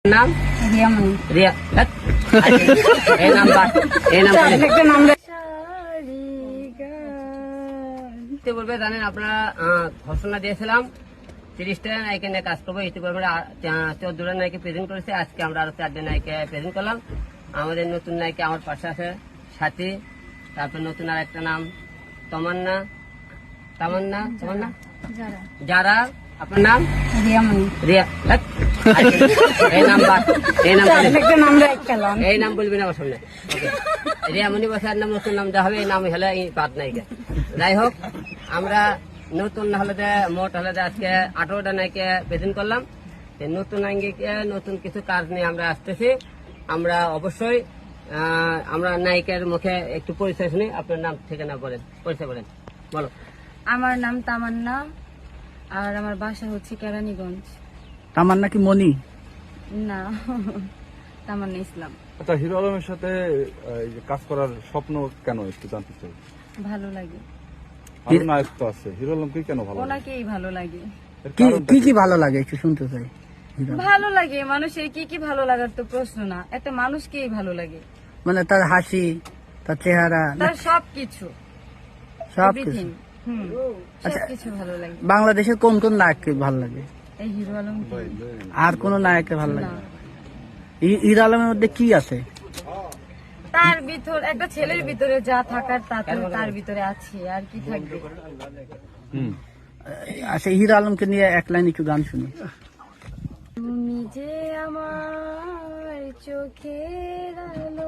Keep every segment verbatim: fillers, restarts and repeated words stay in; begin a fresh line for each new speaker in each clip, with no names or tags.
নাম
রিয়ামণি।
রিয়া এই নামটা এই নাম বলবে জানেন আপনারা ঘোষণা দিয়েছিলাম তিরিশটা নায়িকা নিয়ে কাজ করবো ইতিপূর্বে চোদ্দটা নায়িকা প্রেজেন্ট করেছে। আজকে আমরা আরো চারটে নায়িকা প্রেজেন্ট করলাম। আমাদের নতুন নায়িকা আমার পাশে আছে সাথী, তারপর নতুন আর একটা নাম তমান্না তামান্না তামান্না যারা। আপনার নাম
রিয়ামণি।
রিয়া এই নামটা এই নাম এই নাম বলবি না আমার সামনে। রিয়ামণি বসার নাম নতুন নাম দেওয়া হবে, এই নাম হলে পাত নায়িকা। যাই হোক, আমরা নতুন হলে যে মোট হলে যে আজকে আঠারোটা নায়িকা প্রেজেন্ট করলাম। নতুন নায়িকা নতুন কিছু কাজ নিয়ে আমরা আসতেছি। আমরা অবশ্যই আমরা নায়িকার মুখে একটু পরিচয় শুনি। আপনার নাম ঠিকানা বলেন, পরিচয় বলেন, বলো।
আমার নাম তামান্না আর আমার বাসা হচ্ছে কেরানীগঞ্জ।
তামান্না কি মনি?
না, তামান্না ইসলাম।
আচ্ছা, হিরো আলমের সাথে এই যে কাজ করার স্বপ্ন কেন একটু জানতে চাই।
ভালো লাগে।
আরো নায়ক তো আছে, হিরো আলমকে কেন ভালো লাগে?
ওনাকেই ভালো লাগে।
এর
কি
কারণটা
কি
কি?
কি ভালো লাগে একটু শুনতে চাই।
ভালো লাগে মানুষের কি কি ভালো লাগার তো প্রশ্ন না, একটা মানুষকেই ভালো লাগে,
মানে তার হাসি, তার চেহারা,
তার সবকিছু,
সবকিছু।
এভরিথিং। হুম, সবকিছু ভালো লাগে।
বাংলাদেশের কোন কোন নায়ককে ভালো লাগে?
এই হিরো আলম
আর কোন নায়ককে ভালো লাগে? হি- হিরো আলমের মধ্যে কি আছে?
তার ভিতর একটা ছেলের ভিতরে যা থাকার তা তো তার ভিতরে আছে, আর কি থাকবে।
হুম।
আচ্ছা, হিরো আলমকে নিয়ে এক লাইন একটু গান শুনি।
তুমি যে আমার চোখের আলো,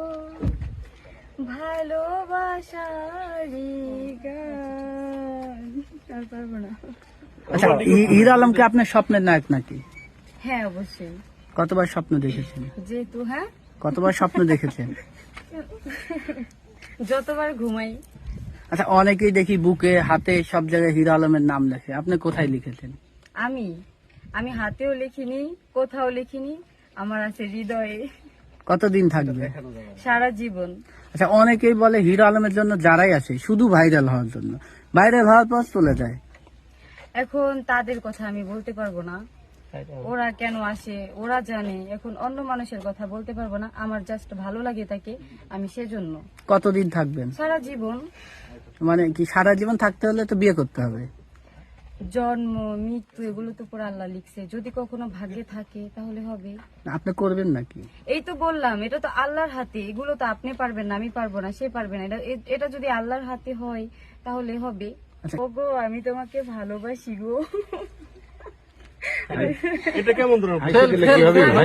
ভালোবাসারি গান। আর পারবো না।
আচ্ছা, হি- হিরো আলমকে আপনার স্বপ্নের নায়ক নাকি?
হ্যাঁ, অবশ্যই।
কতবার স্বপ্ন দেখেছেন?
যেহেতু হ্যাঁ,
কতবার স্বপ্ন দেখেছেন?
যতবার ঘুমাই।
আচ্ছা, অনেকেই দেখি বুকে হাতে সব জায়গায় হিরো আলমের নাম লেখে, আপনি কোথায় লিখেছেন?
আমি আমি হাতেও লিখিনি, কোথাও লিখিনি, আমার আছে হৃদয়ে,
কতদিন থাকবে?
সারা জীবন।
আচ্ছা, অনেকেই বলে হিরো আলমের জন্য যারাই আছে শুধু ভাইরাল হওয়ার জন্য, ভাইরাল হওয়ার পর চলে যায়।
এখন তাদের কথা আমি বলতে পারবো না, ওরা কেন আসে ওরা জানে। এখন অন্য মানুষের কথা বলতে পারবো না, আমার জাস্ট ভালো লাগে তাকে, আমি সেজন্য।
কতদিন থাকবেন?
সারা জীবন।
মানে কি সারা জীবন থাকতে হলে তো বিয়ে করতে হবে?
জন্ম মৃত্যু এগুলো তো পুরো আল্লাহ লিখছে, যদি কখনো ভাগ্যে থাকে তাহলে হবে।
আপনি করবেন নাকি?
এই তো বললাম, এটা তো আল্লাহর হাতে, এগুলো তো আপনি পারবেন না, আমি পারবো না, সে পারবে না। এটা এটা যদি আল্লাহর হাতে হয় তাহলে হবে।
আচ্ছা।
ওগো, আমি তোমাকে ভালোবাসি গো।
এটা কেমন ধরনের